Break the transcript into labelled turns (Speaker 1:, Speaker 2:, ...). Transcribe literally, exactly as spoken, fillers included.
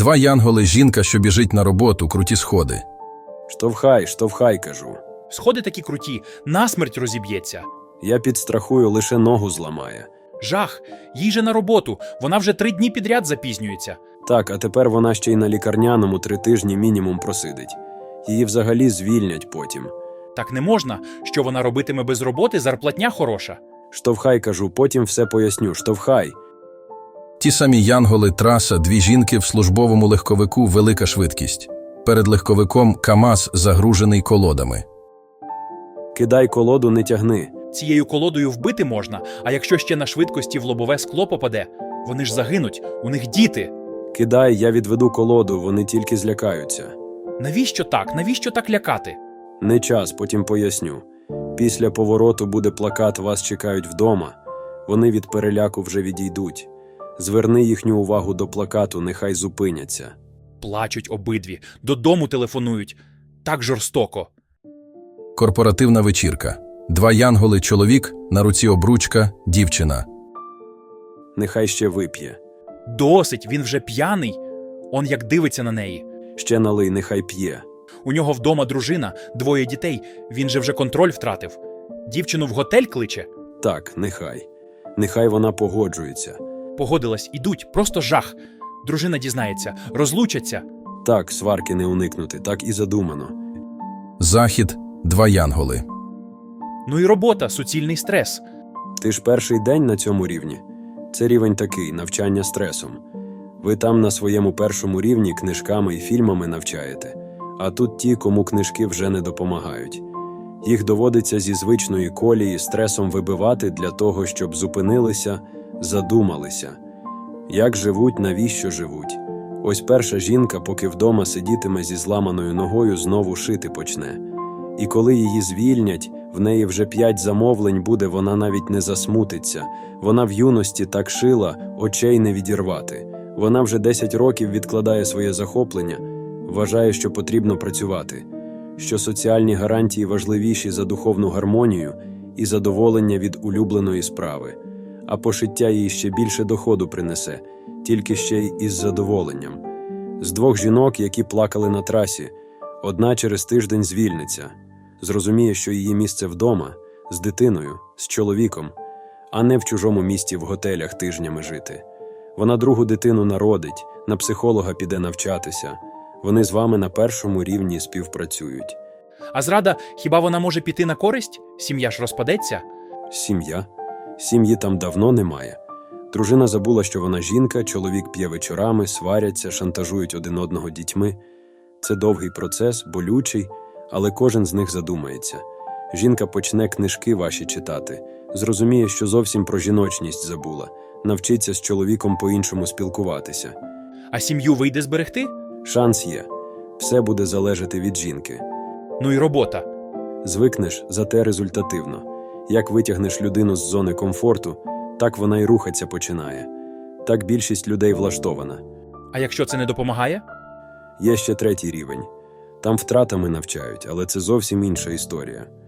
Speaker 1: Два янголи, жінка, що біжить на роботу, круті сходи.
Speaker 2: Штовхай, штовхай, кажу.
Speaker 3: Сходи такі круті, насмерть розіб'ється.
Speaker 2: Я підстрахую, лише ногу зламає.
Speaker 3: Жах, їй же на роботу, вона вже три дні підряд запізнюється.
Speaker 2: Так, а тепер вона ще й на лікарняному три тижні мінімум просидить. Її взагалі звільнять потім.
Speaker 3: Так не можна, що вона робитиме без роботи, зарплатня хороша.
Speaker 2: Штовхай, кажу, потім все поясню. Штовхай.
Speaker 1: Ті самі янголи, траса, дві жінки в службовому легковику, велика швидкість. Перед легковиком КАМАЗ, загружений колодами.
Speaker 2: Кидай колоду, не тягни.
Speaker 3: Цією колодою вбити можна, а якщо ще на швидкості в лобове скло попаде, вони ж загинуть, у них діти.
Speaker 2: Кидай, я відведу колоду, вони тільки злякаються.
Speaker 3: Навіщо так? Навіщо так лякати?
Speaker 2: Не час, потім поясню. Після повороту буде плакат «Вас чекають вдома». Вони від переляку вже відійдуть. Зверни їхню увагу до плакату, нехай зупиняться.
Speaker 3: Плачуть обидві, додому телефонують. Так жорстоко.
Speaker 1: Корпоративна вечірка. Два янголи, чоловік, на руці обручка, дівчина.
Speaker 2: Нехай ще вип'є.
Speaker 3: Досить, він вже п'яний. Он як дивиться на неї.
Speaker 2: Ще налий, нехай п'є.
Speaker 3: У нього вдома дружина, двоє дітей, він же вже контроль втратив. Дівчину в готель кличе.
Speaker 2: Так, нехай. Нехай вона погоджується.
Speaker 3: Погодилась, ідуть, просто жах. Дружина дізнається, розлучаться.
Speaker 2: Так, сварки не уникнути, так і задумано.
Speaker 1: Захід, два янголи.
Speaker 3: Ну і робота, суцільний стрес.
Speaker 2: Ти ж перший день на цьому рівні. Це рівень такий, навчання стресом. Ви там на своєму першому рівні книжками і фільмами навчаєте, а тут ті, кому книжки вже не допомагають. Їх доводиться зі звичної колії стресом вибивати для того, щоб зупинилися, задумалися. Як живуть, навіщо живуть? Ось перша жінка, поки вдома сидітиме зі зламаною ногою, знову шити почне. І коли її звільнять, в неї вже п'ять замовлень буде, вона навіть не засмутиться. Вона в юності так шила, очей не відірвати. Вона вже десять років відкладає своє захоплення, вважає, що потрібно працювати, що соціальні гарантії важливіші за духовну гармонію і задоволення від улюбленої справи. А пошиття їй ще більше доходу принесе, тільки ще й із задоволенням. З двох жінок, які плакали на трасі, одна через тиждень звільниться, зрозуміє, що її місце вдома, з дитиною, з чоловіком, а не в чужому місті в готелях тижнями жити. Вона другу дитину народить, на психолога піде навчатися. Вони з вами на першому рівні співпрацюють.
Speaker 3: А зрада, хіба вона може піти на користь? Сім'я ж розпадеться?
Speaker 2: Сім'я? Сім'ї там давно немає. Дружина забула, що вона жінка, чоловік п'є вечорами, сваряться, шантажують один одного дітьми. Це довгий процес, болючий, але кожен з них задумається. Жінка почне книжки ваші читати, зрозуміє, що зовсім про жіночність забула, навчиться з чоловіком по-іншому спілкуватися.
Speaker 3: А сім'ю вийде зберегти?
Speaker 2: Шанс є. Все буде залежати від жінки.
Speaker 3: Ну і робота.
Speaker 2: Звикнеш, зате результативно. Як витягнеш людину з зони комфорту, так вона й рухатися починає. Так більшість людей влаштована.
Speaker 3: А якщо це не допомагає?
Speaker 2: Є ще третій рівень. Там втратами навчають, але це зовсім інша історія.